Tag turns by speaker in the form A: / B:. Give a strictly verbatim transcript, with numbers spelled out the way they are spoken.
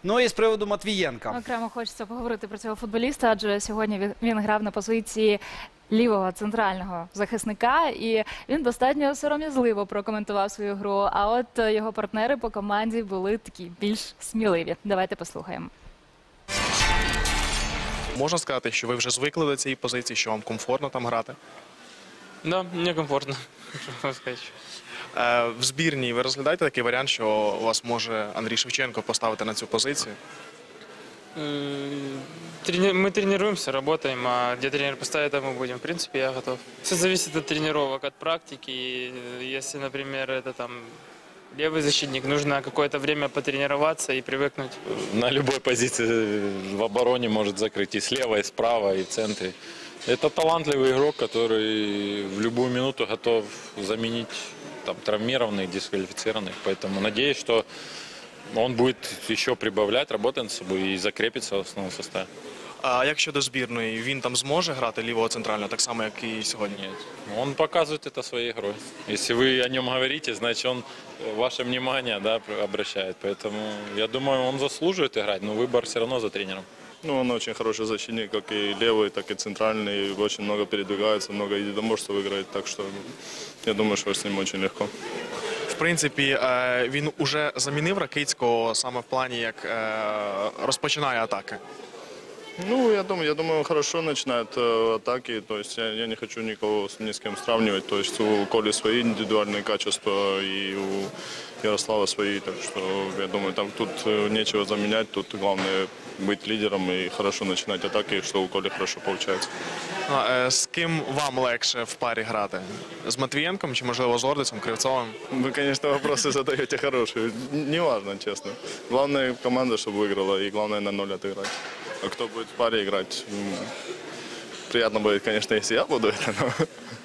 A: Ну і з приводу Матвієнка.
B: Окремо хочеться поговорити про цього футболіста, адже сьогодні він- він грав на позиції лівого центрального захисника, і він достатньо сором'язливо прокоментував свою гру. А от е, його партнери по команді були такі більш сміливі. Давайте послухаємо.
C: Можна сказати, що ви вже звикли до цієї позиції, що вам комфортно там грати?
D: Да, мне комфортно, можно сказать.
C: Е, в збірній ви розглядаєте такий варіант, що у вас може Андрій Шевченко поставити на цю позицію?
D: М, трени- Мы тренируемся, работаем, а где тренер поставит, там мы будем. В принципе, я готов. Все зависит от тренировок, от практики. И, э, Если, например, это там левый защитник, нужно какое-то время потренироваться и привыкнуть.
E: На любой позиции в обороне может закрыть и слева, и справа, и в центре. Это талантливый игрок, который в любую минуту готов заменить там, травмированных, дисквалифицированных. Поэтому надеюсь, что он будет еще прибавлять, работать над собой и закрепиться в основном составе.
C: А як щодо збірної, він там зможе грати лівого центрального, так само, як і сьогодні?
E: Нет. Он показывает это своей игрой. Если вы о нем говорите, значит он ваше внимание, да, обращает. Поэтому я думаю, он заслуживает играть, но выбор все равно за тренером.
F: Ну, он очень хороший защитник, как и левый, так и центральный. Очень много передвигается, много единоборств играет. Так что я думаю, что с ним очень легко.
C: В принципі, е, він уже замінив Ракицького саме в плані, як е, розпочинає атаки.
F: Ну, я думаю, я думаю, он хорошо начинает э, атаки. То есть я, я не хочу никого с- ни с кем сравнивать. То есть у Коли свои индивидуальные качества и у Ярослава свои. Так что я думаю, там тут э, нечего заменять. Тут главное быть лидером и хорошо начинать атаки, что у Коли хорошо получается.
C: А, е, з ким вам легше в парі грати? З Матвієнком чи, можливо, з Ордицем, Кривцовим?
F: Вы, конечно, вопросы задаете хорошие. Н- Неважно, честно. Главное команда, чтобы выиграла, и главное на ноль отыграть. А кто будет в паре играть? м, Приятно будет, конечно, если я буду это, но